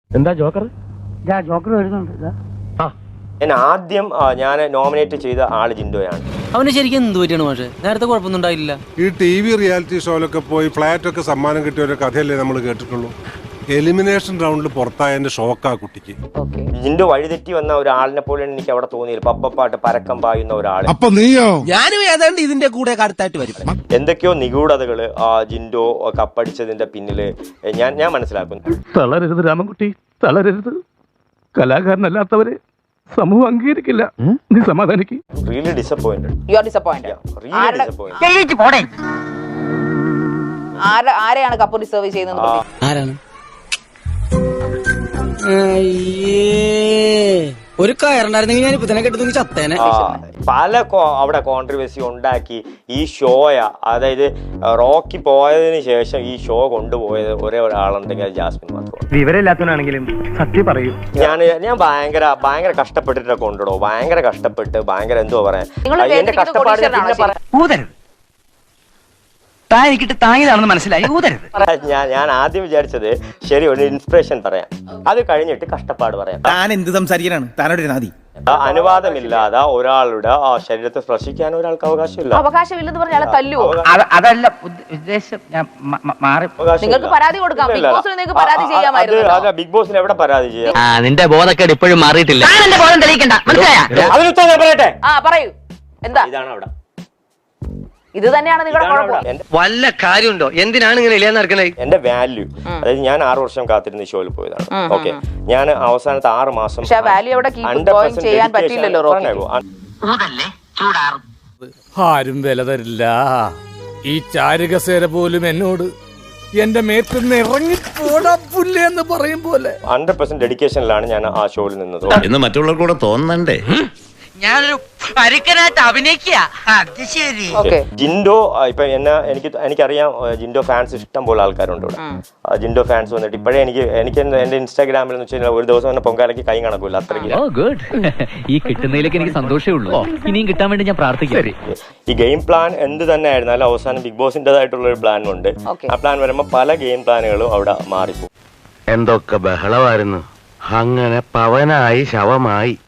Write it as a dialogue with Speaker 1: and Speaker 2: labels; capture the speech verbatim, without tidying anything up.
Speaker 1: എന്താ Joker?
Speaker 2: Joker വരുന്നുണ്ട്.
Speaker 3: ഞാൻ ആദ്യം ഞാൻ നോമിനേറ്റ് ചെയ്ത ആള് ജിൻഡോയാണ്.
Speaker 4: അവന് ശരിക്കും എന്ത് പറ്റിയാണ് പക്ഷേ നേരത്തെ കുഴപ്പമൊന്നും ഉണ്ടായില്ല.
Speaker 5: ഈ ടി വി റിയാലിറ്റി ഷോയിലൊക്കെ പോയി ഫ്ലാറ്റ് ഒക്കെ സമ്മാനം കിട്ടിയ ഒരു കഥയല്ലേ നമ്മൾ കേട്ടിട്ടുള്ളൂ. എലിമിനേഷൻ റൗണ്ടിൽ പുറത്തായതിന്റെ ഷോക്കാ കുട്ടിക്ക്.
Speaker 3: ജിൻഡോ വഴിതെറ്റി വന്ന ഒരാളിനെ പോലെയാണ് എനിക്ക് അവിടെ തോന്നിയത്. പപ്പപ്പാട്ട് പരക്കം പായുന്ന ഒരാൾ.
Speaker 6: അപ്പൊ നീയോ?
Speaker 4: ഞാനും ഏതാണ്ട് ഇതിന്റെ കൂടെ അടുത്തായിട്ട് വരും.
Speaker 3: എന്തൊക്കെയോ നിഗൂഢതകള് ആ ജിൻഡോ കപ്പടിച്ചതിന്റെ പിന്നില് ഞാൻ ഞാൻ മനസ്സിലാക്കുന്നു.
Speaker 1: തളരരുത് രാമൻകുട്ടി, തളരരുത്. കലാകാരനല്ലാത്തവരെ സമൂഹം അംഗീകരിക്കില്ല. നീ സമാധാനിക്ക്.
Speaker 3: Really disappointed.
Speaker 7: You are disappointed.
Speaker 3: Really disappointed.
Speaker 7: ആരെയാണ് കപ്പ് ഡിസേർവ് ചെയ്യുന്നത്?
Speaker 4: ആരാണ്? ഒരു കയറുണ്ടായിരുന്നെങ്കിൽ ഞാൻ ഇപ്പൊ തന്നെ കെട്ടുന്നെങ്കിൽ ചത്തേനെ.
Speaker 3: പല അവിടെ കോൺട്രവേഴ്സി ഉണ്ടാക്കി ഈ ഷോയ, അതായത് റോക്കി പോയതിനു ശേഷം ഈ ഷോ കൊണ്ടുപോയത് ഒരേ ഒരാളുണ്ടെങ്കിൽ അത് ജാസ്മിൻ മാത്രമാണ്.
Speaker 1: വിവരമില്ലാത്തവനാണെങ്കിലും സത്യം പറയൂ.
Speaker 3: ഞാൻ ഞാൻ ഭയങ്കര ഭയങ്കര കഷ്ടപ്പെട്ടിട്ടൊക്കെ കൊണ്ടിടോ. ഭയങ്കര കഷ്ടപ്പെട്ട് ഭയങ്കര എന്തോ പറയാൻ എന്റെ കഷ്ടപ്പാട്
Speaker 2: താങ്ങിയതാണെന്ന് മനസ്സിലായി. ഊതരുത്.
Speaker 3: ഞാൻ ഞാൻ ആദ്യം വിചാരിച്ചത് ശരി ഒരു ഇൻസ്പിറേഷൻ പറയാം, അത് കഴിഞ്ഞിട്ട് കഷ്ടപ്പാട് പറയാം.
Speaker 6: താൻ എന്ത് സംസാരിക്കാനാണ്? താനോട് നാദി
Speaker 3: അനുവാദമില്ലാതെ ഒരാളുടെ ആ ശരീരത്തെ സ്പർശിക്കാൻ ഒരാൾക്ക് അവകാശമില്ല.
Speaker 7: അവകാശമില്ലെന്ന് പറഞ്ഞാൽ തല്ലുവോ?
Speaker 2: അതല്ല ഉദ്ദേശം. ഞാൻ മാറി.
Speaker 7: നിങ്ങൾക്ക് പരാതി കൊടുക്കാം. ബിഗ് ബോസിന് നിങ്ങൾക്ക് പരാതി ചെയ്യാമായിരുന്നു.
Speaker 3: ബിഗ് ബോസിന് എവിടെ പരാതി ചെയ്യാം?
Speaker 4: നിന്റെ ബോധക്കേട് ഇപ്പോഴും മാറിയിട്ടില്ല.
Speaker 3: അതിനുത്തരം പറയട്ടെ.
Speaker 7: ആ പറയൂ. എന്താ
Speaker 3: ഇതാണ് അവിടെ.
Speaker 7: ഇത് തന്നെയാണ് നിങ്ങളുടെ കുഴപ്പം.
Speaker 4: വല്ല കാര്യമുണ്ടോ? എന്തിനാണ് ഇങ്ങനെ ഇല്ലാന്ന് നടക്കണേ?
Speaker 3: എന്റെ വാല്യൂ, അതായത് ഞാൻ ആറു വർഷം കാത്തിരുന്ന ഷോയിൽ പോയതാണ്. ഓക്കെ, ഞാൻ അവസാനത്തെ ആറ് മാസം
Speaker 7: വാല്യൂ അവിടെ ചെയ്യാൻ പറ്റില്ലല്ലോ.
Speaker 8: ആരും വില തരില്ല. ഈ ചാരുകസേര പോലും എന്നോട് എന്റെ മേത്തുനിന്ന് ഇറങ്ങി പോടാ പുല്ലേ എന്ന് പറയും പോലെ
Speaker 3: ഹൺഡ്രഡ് പെർസെന്റ് ഡെഡിക്കേഷനിലാണ് ഞാൻ ആ ഷോയിൽ നിന്നത്
Speaker 6: എന്ന് മറ്റുള്ളവർക്ക് കൂടെ തോന്നണ്ടേ?
Speaker 2: ഞാനൊരു പരിക്കനായിട്ട് അഭിനയിക്കുക. അത് ശരി.
Speaker 3: ജിൻഡോ ഇപ്പൊ എന്നെ എനിക്ക് എനിക്കറിയാം, ജിൻഡോ ഫാൻസ് ഇഷ്ടം പോലെ ആൾക്കാരുണ്ട് ഇവിടെ. ജിൻഡോ ഫാൻസ് വന്നിട്ട് ഇപ്പോഴേ എനിക്ക് എനിക്ക് എന്റെ ഇൻസ്റ്റാഗ്രാമിൽ എന്ന് വെച്ചാൽ ഒരു ദിവസം തന്നെ പൊങ്കാലയ്ക്ക് കൈ കണക്കൂല അത്രയ്ക്ക്.
Speaker 4: ഈ കിട്ടുന്നതിലേക്ക് എനിക്ക് സന്തോഷമേ ഉള്ളൂ. ഇനിയും കിട്ടാൻ വേണ്ടി ഞാൻ പ്രാർത്ഥിക്കാം.
Speaker 3: ഈ ഗെയിം പ്ലാൻ എന്ത് തന്നെ ആയിരുന്നാലും അവസാനം ബിഗ് ബോസിന്റേതായിട്ടുള്ള ഒരു പ്ലാൻ ഉണ്ട്. ആ പ്ലാൻ വരുമ്പോൾ പല ഗെയിം പ്ലാനുകളും അവിടെ മാറിപ്പോകും.
Speaker 9: എന്തൊക്കെ ബഹളമായിരുന്നു. അങ്ങനെ പവനായി ശവമായി.